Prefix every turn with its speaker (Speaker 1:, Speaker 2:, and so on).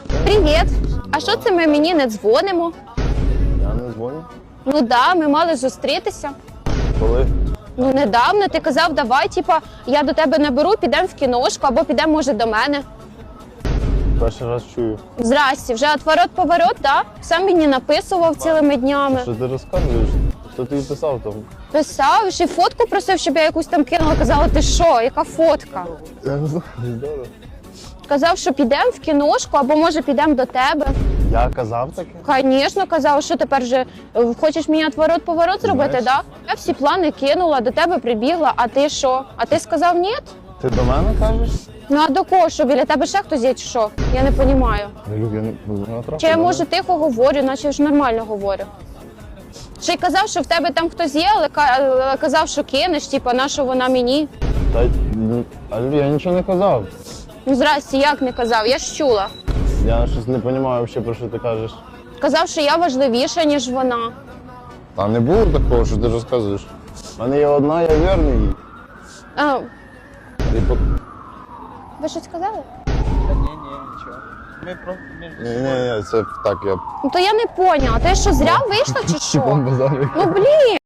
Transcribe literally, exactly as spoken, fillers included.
Speaker 1: Привіт! А що це ми мені не дзвонимо?
Speaker 2: Я не дзвоню.
Speaker 1: Ну да, ми мали зустрітися.
Speaker 2: Коли?
Speaker 1: Ну недавно ти казав, давай, типа, я до тебе наберу, підемо в кіношку, або підемо, може, до мене.
Speaker 2: Перший раз чую.
Speaker 1: Здрасте, вже отворот-поворот, так? Сам мені написував цілими днями.
Speaker 2: Що ти розказуєш? Хто тобі писав там?
Speaker 1: Писав, ще фотку просив, щоб я якусь там кинула. Казала, ти що, яка фотка?
Speaker 2: Я не знаю, здорово.
Speaker 1: Казав, що підемо в кіношку, або може підемо до тебе.
Speaker 2: Я казав таке?
Speaker 1: Звісно, казав, що тепер же е, хочеш мені отворот-поворот зробити,
Speaker 2: Знаєш.
Speaker 1: так? Да? Я всі плани кинула, до тебе прибігла, а ти що? А ти сказав ні?
Speaker 2: Ти до мене кажеш?
Speaker 1: Ну а до кого, що біля тебе ще хтось є чи що? Я не розумію.
Speaker 2: Люк, я не натрапив.
Speaker 1: Чи я, може, тихо говорю, наче ж нормально говорю. Ще й казав, що в тебе там хтось є, але ка- але казав, що кинеш, типа, на що вона мені.
Speaker 2: Та, ну, Алю, я нічого не казав.
Speaker 1: Ну, здрасте, як не казав, я ж чула.
Speaker 2: Я щось не розумію взагалі, про що ти кажеш.
Speaker 1: Казав, що я важливіша, ніж вона.
Speaker 2: Та не було такого, що ти розказуєш. У мене є одна, я вірний їй.
Speaker 1: А,
Speaker 2: І по...
Speaker 1: ви щось сказали?
Speaker 3: Та ні, ні, нічого. Ми про між
Speaker 2: Ні, ні, ні, це так, я
Speaker 1: Ну то я не поняла, ти що, зря вийшла чи що?
Speaker 2: базарю.
Speaker 1: Ну блін!